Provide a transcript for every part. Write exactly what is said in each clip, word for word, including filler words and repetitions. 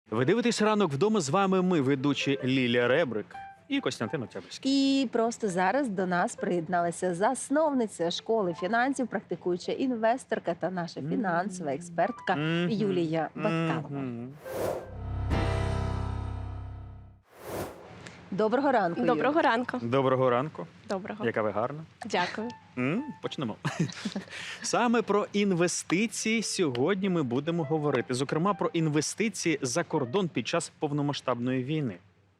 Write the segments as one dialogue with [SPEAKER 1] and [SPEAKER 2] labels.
[SPEAKER 1] Ви дивитесь «Ранок вдома», з вами ми, ведучі Лілія Ребрик і Костянтин Октябрьський.
[SPEAKER 2] І просто зараз до нас приєдналася засновниця школи фінансів, практикуюча інвесторка та наша фінансова експертка
[SPEAKER 1] Мгм.
[SPEAKER 2] Юлія Баткалова.
[SPEAKER 1] Мгм.
[SPEAKER 2] Доброго ранку, Юлія.
[SPEAKER 3] Доброго ранку.
[SPEAKER 1] Доброго ранку.
[SPEAKER 3] Доброго.
[SPEAKER 1] Яка ви гарна.
[SPEAKER 3] Дякую.
[SPEAKER 1] М, Почнемо. Саме про інвестиції сьогодні ми будемо говорити. Зокрема, про інвестиції за кордон під час повномасштабної війни.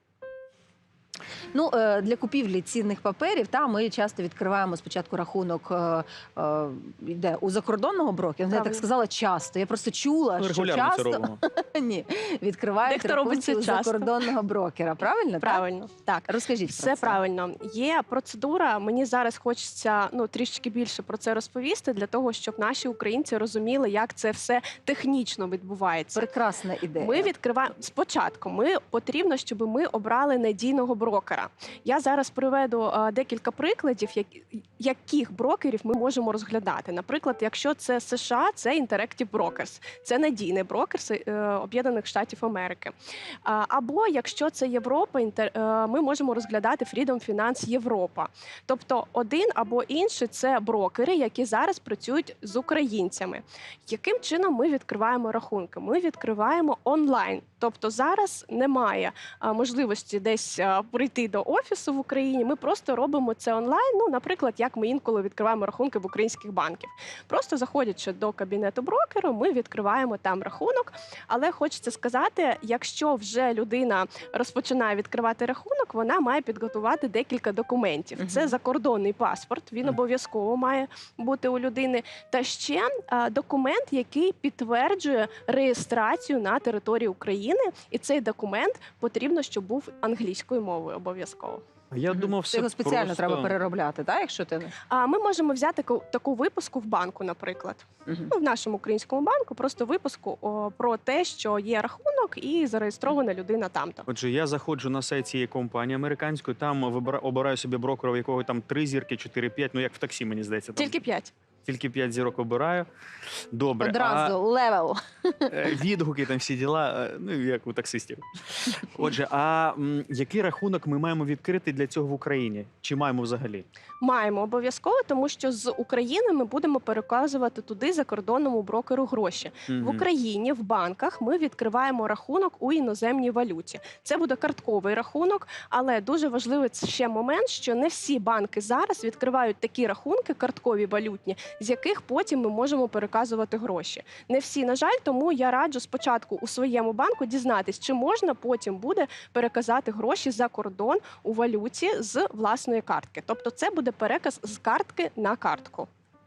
[SPEAKER 2] Ну, е, для купівлі цінних паперів та ми часто відкриваємо спочатку рахунок е, е, де у закордонного брокера. Я так
[SPEAKER 3] Правильно.
[SPEAKER 2] сказала часто. Я просто чула,
[SPEAKER 1] Ми
[SPEAKER 2] що
[SPEAKER 1] регулярно це
[SPEAKER 2] часто
[SPEAKER 1] робимо.
[SPEAKER 2] ні, відкривають
[SPEAKER 3] Дехто робить
[SPEAKER 2] рахунки
[SPEAKER 3] це
[SPEAKER 2] у
[SPEAKER 3] часто.
[SPEAKER 2] закордонного брокера. Правильно? Так?
[SPEAKER 3] Правильно. Так.
[SPEAKER 2] Розкажіть
[SPEAKER 3] Все
[SPEAKER 2] про це.
[SPEAKER 3] правильно. Є процедура. Мені зараз хочеться ну трішки більше про це розповісти, для того, щоб наші українці розуміли, як це все технічно відбувається.
[SPEAKER 2] Прекрасна ідея.
[SPEAKER 3] Ми відкриваємо спочатку. Ми потрібно, щоб ми обрали надійного брокера. Я зараз приведу е, декілька прикладів, як, яких брокерів ми можемо розглядати. Наприклад, якщо це США, це Interactive Brokers, це надійний брокер з е, Об'єднаних Штатів Америки. А, або якщо це Європа, інтер, е, ми можемо розглядати Freedom Finance Європа. Тобто один або інший це брокери, які зараз працюють з українцями. Яким чином ми відкриваємо рахунки? Ми відкриваємо онлайн. Тобто зараз немає а, можливості десь а, прийти до офісу в Україні. Ми просто робимо це онлайн. Ну, наприклад, як ми інколи відкриваємо рахунки в українських банків. Просто заходячи до кабінету брокеру, ми відкриваємо там рахунок. Але хочеться сказати, якщо вже людина розпочинає відкривати рахунок, вона має підготувати декілька документів.
[SPEAKER 2] Мгм.
[SPEAKER 3] Це закордонний паспорт, він
[SPEAKER 1] Мгм.
[SPEAKER 3] обов'язково має бути у людини. Та ще а, документ, який підтверджує реєстрацію на території України. І цей документ потрібно, щоб був англійською мовою обов'язково.
[SPEAKER 1] Я
[SPEAKER 2] Мгм.
[SPEAKER 1] думав,
[SPEAKER 2] Це
[SPEAKER 1] все
[SPEAKER 2] його спеціально
[SPEAKER 1] просто...
[SPEAKER 2] треба переробляти, так, якщо ти не.
[SPEAKER 3] А ми можемо взяти таку, таку виписку в банку, наприклад.
[SPEAKER 2] Мгм.
[SPEAKER 3] Ну, в нашому українському банку просто виписку о, про те, що є рахунок і зареєстрована людина там-то.
[SPEAKER 1] Отже, я заходжу на сайт цієї компанії американської, там вибира- обираю собі брокера, у якого там три зірки, чотири, п'ять, ну як в таксі, мені здається. Там
[SPEAKER 3] Тільки п'ять.
[SPEAKER 1] тільки п'ять зірок обираю. Добре.
[SPEAKER 2] Одразу левел.
[SPEAKER 1] А е, відгуки, там всі діла, е, ну як у таксистів. Отже, а м, який рахунок ми маємо відкрити для цього в Україні? Чи маємо взагалі?
[SPEAKER 3] Маємо обов'язково, тому що з України ми будемо переказувати туди закордонному брокеру гроші. В
[SPEAKER 1] Мгм.
[SPEAKER 3] Україні в банках ми відкриваємо рахунок у іноземній валюті. Це буде картковий рахунок, але дуже важливий ще момент, що не всі банки зараз відкривають такі рахунки, карткові валютні, з яких потім ми можемо переказувати гроші. Не всі, на жаль, тому я раджу спочатку у своєму банку дізнатись, чи можна потім буде переказати гроші за кордон у валюті з власної картки. Тобто це буде переказ з картки на картку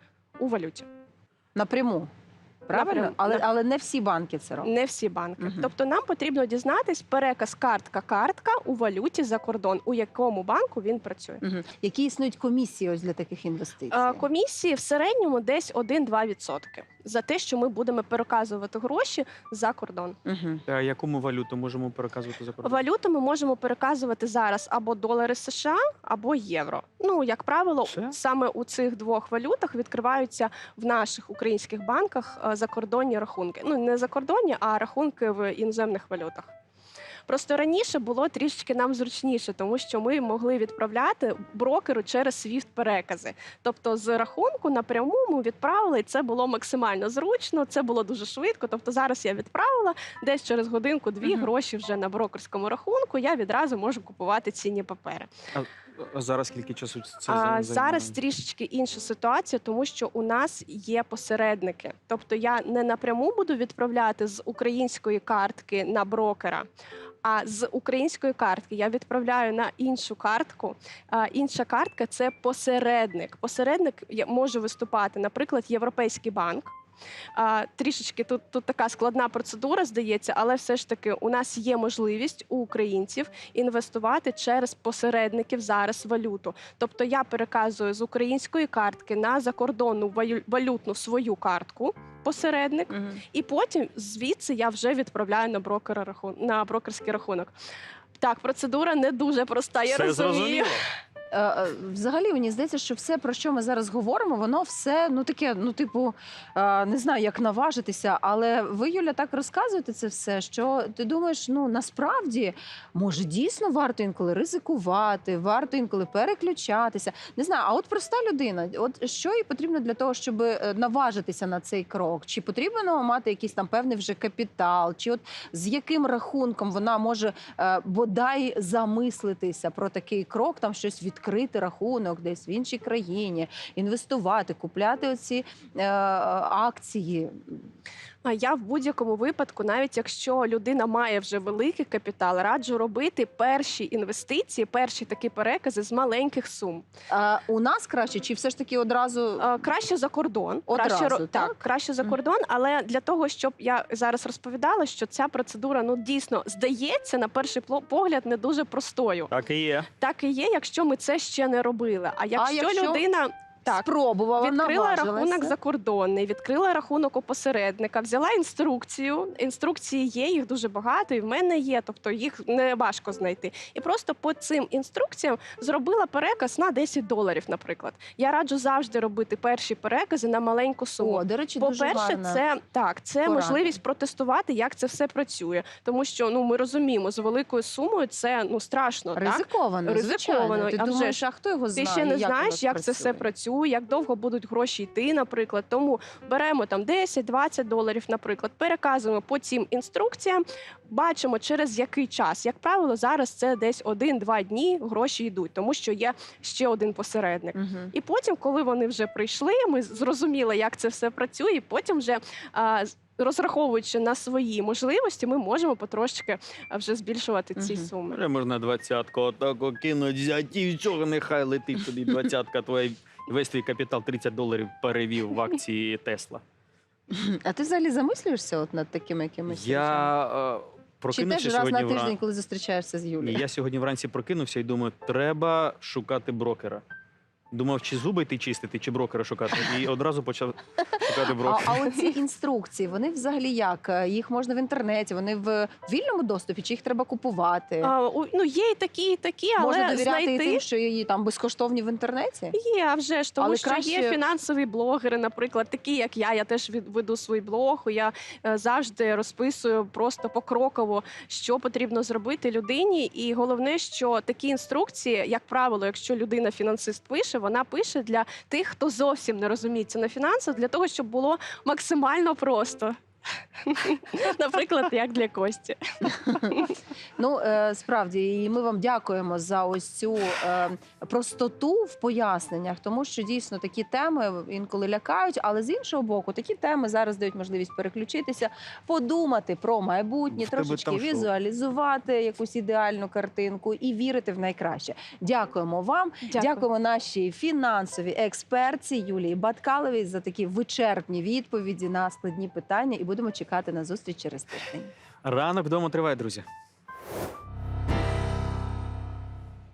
[SPEAKER 3] у валюті.
[SPEAKER 2] Напряму. Правильно?
[SPEAKER 3] Напряму.
[SPEAKER 2] Але,
[SPEAKER 3] На-
[SPEAKER 2] але не всі банки це роблять.
[SPEAKER 3] Не всі банки.
[SPEAKER 2] Мгм.
[SPEAKER 3] Тобто нам потрібно дізнатись переказ картка-картка у валюті за кордон, у якому банку він працює.
[SPEAKER 2] Мгм. Які існують комісії ось для таких інвестицій?
[SPEAKER 3] Е, Комісії в середньому десь один-два відсотки за те, що ми будемо переказувати гроші за кордон.
[SPEAKER 2] Мгм.
[SPEAKER 1] А яку ми валюту можемо переказувати за кордон?
[SPEAKER 3] Валюту ми можемо переказувати зараз або долари США, або євро. Ну, як правило,
[SPEAKER 1] Все?
[SPEAKER 3] саме у цих двох валютах відкриваються в наших українських банках е, закордонні рахунки. Ну, не закордонні, а рахунки в іноземних валютах. Просто раніше було трішечки нам зручніше, тому що ми могли відправляти брокеру через свіфт-перекази. Тобто з рахунку напряму ми відправили, і це було максимально зручно, це було дуже швидко. Тобто зараз я відправила, десь через годинку-дві
[SPEAKER 2] Мгм.
[SPEAKER 3] гроші вже на брокерському рахунку, я відразу можу купувати цінні папери.
[SPEAKER 1] А зараз скільки часу це
[SPEAKER 3] А
[SPEAKER 1] займає?
[SPEAKER 3] зараз трішечки інша ситуація, тому що у нас є посередники. Тобто я не напряму буду відправляти з української картки на брокера, а з української картки я відправляю на іншу картку. А інша картка – це посередник. Посередник я- може виступати, наприклад, Європейський банк. А, трішечки тут, тут така складна процедура, здається, але все ж таки у нас є можливість у українців інвестувати через посередників зараз валюту. Тобто я переказую з української картки на закордонну валю- валютну свою картку, посередник,
[SPEAKER 2] Мгм.
[SPEAKER 3] і потім звідси я вже відправляю на брокера рахун... на брокерський рахунок. Так, процедура не дуже проста, я
[SPEAKER 1] Все
[SPEAKER 3] розумію.
[SPEAKER 1] зрозуміло.
[SPEAKER 2] е, е, взагалі мені здається, що все, про що ми зараз говоримо, воно все ну таке, ну типу, е, не знаю, як наважитися, але ви, Юля, так розказуєте це все, що ти думаєш, ну насправді може дійсно варто інколи ризикувати, варто інколи переключатися. Не знаю, а от проста людина, от що їй потрібно для того, щоб е, наважитися на цей крок? Чи потрібно мати якийсь там певний вже капітал? Чи от з яким рахунком вона може е, бодай замислитися про такий крок, там щось відкрити рахунок десь в іншій країні, інвестувати, купляти оці е, акції?
[SPEAKER 3] А я в будь-якому випадку, навіть якщо людина має вже великий капітал, раджу робити перші інвестиції, перші такі перекази з маленьких сум.
[SPEAKER 2] Е, у нас краще, чи все ж таки одразу?
[SPEAKER 3] А, Краще за кордон.
[SPEAKER 2] Одразу,
[SPEAKER 3] краще, ро-
[SPEAKER 2] так?
[SPEAKER 3] так, краще за
[SPEAKER 2] Мгм.
[SPEAKER 3] кордон, але для того, щоб я зараз розповідала, що ця процедура ну дійсно здається на перший пло- погляд не дуже простою.
[SPEAKER 1] Так і є.
[SPEAKER 3] Так і є, якщо ми це ще не робили. А якщо,
[SPEAKER 2] якщо
[SPEAKER 3] людина так
[SPEAKER 2] Спробувала,
[SPEAKER 3] відкрила
[SPEAKER 2] наважилася.
[SPEAKER 3] рахунок закордонний, відкрила рахунок у посередника, взяла інструкцію. Інструкції є, їх дуже багато, і в мене є, тобто їх не важко знайти. І просто по цим інструкціям зробила переказ на десять доларів, наприклад. Я раджу завжди робити перші перекази на маленьку суму.
[SPEAKER 2] О, до речі, дуже
[SPEAKER 3] По-перше,
[SPEAKER 2] гарна.
[SPEAKER 3] це так, це
[SPEAKER 2] порада.
[SPEAKER 3] можливість протестувати, як це все працює. Тому що ну ми розуміємо, з великою сумою це ну страшно. Так?
[SPEAKER 2] Ризиковано,
[SPEAKER 3] Ризиковано,
[SPEAKER 2] звичайно. Ти
[SPEAKER 3] а вже
[SPEAKER 2] думаєш,
[SPEAKER 3] ж,
[SPEAKER 2] а хто його
[SPEAKER 3] Ти
[SPEAKER 2] знає?
[SPEAKER 3] ще не
[SPEAKER 2] як воно
[SPEAKER 3] знаєш, як це все працює, як довго будуть гроші йти, наприклад. Тому беремо там десять-двадцять доларів, наприклад, переказуємо по цим інструкціям, бачимо, через який час. Як правило, зараз це десь один-два дні гроші йдуть, тому що є ще один посередник.
[SPEAKER 2] Мгм.
[SPEAKER 3] І потім, коли вони вже прийшли, ми зрозуміли, як це все працює, і потім вже а, з- розраховуючи на свої можливості, ми можемо потрошки а, вже збільшувати ці
[SPEAKER 2] Мгм.
[SPEAKER 3] суми.
[SPEAKER 1] Вже можна двадцятку отако кинуть, взяти і чого нехай летить тобі двадцятка твоя. Весь твій капітал тридцять доларів перевів в акції Тесла.
[SPEAKER 2] А ти взагалі замислюєшся от над такими якимись речами?
[SPEAKER 1] Я е,
[SPEAKER 2] Чи
[SPEAKER 1] прокинувся
[SPEAKER 2] теж раз
[SPEAKER 1] сьогодні
[SPEAKER 2] на тиждень,
[SPEAKER 1] вранці.
[SPEAKER 2] коли зустрічаєшся з
[SPEAKER 1] Ні,
[SPEAKER 2] Юлією?
[SPEAKER 1] я сьогодні вранці прокинувся і думаю, треба шукати брокера. Думав, чи зуби йти чистити, чи брокера шукати. І одразу почав шукати
[SPEAKER 2] А,
[SPEAKER 1] брокера.
[SPEAKER 2] а оці інструкції, вони взагалі як? Їх можна в інтернеті, вони в вільному доступі, чи їх треба купувати?
[SPEAKER 3] А, у- ну, є і такі, і такі, але
[SPEAKER 2] Можна довіряти і
[SPEAKER 3] знайти...
[SPEAKER 2] тим, що її там безкоштовні в інтернеті?
[SPEAKER 3] Є, а вже ж, тому
[SPEAKER 2] Але
[SPEAKER 3] що
[SPEAKER 2] краще-
[SPEAKER 3] є фінансові блогери, наприклад, такі як я. Я теж від- веду свій блог. Я е, завжди розписую просто покроково, що потрібно зробити людині. І головне, що такі інструкції, як правило, якщо людина фінансист пише, вона пише для тих, хто зовсім не розуміється на фінансах, для того, щоб було максимально просто. Наприклад, як для Кості.
[SPEAKER 2] Ну, е, справді, і ми вам дякуємо за ось цю е, простоту в поясненнях, тому що дійсно такі теми інколи лякають, але з іншого боку, такі теми зараз дають можливість переключитися, подумати про майбутнє,
[SPEAKER 1] В тебе
[SPEAKER 2] трошечки
[SPEAKER 1] там що?
[SPEAKER 2] візуалізувати якусь ідеальну картинку і вірити в найкраще. Дякуємо вам.
[SPEAKER 3] Дякую.
[SPEAKER 2] Дякуємо нашій фінансовій експерті Юлії Баткаловій за такі вичерпні відповіді на складні питання. І будемо чекати на зустріч через тиждень.
[SPEAKER 1] Ранок вдома триває, друзі.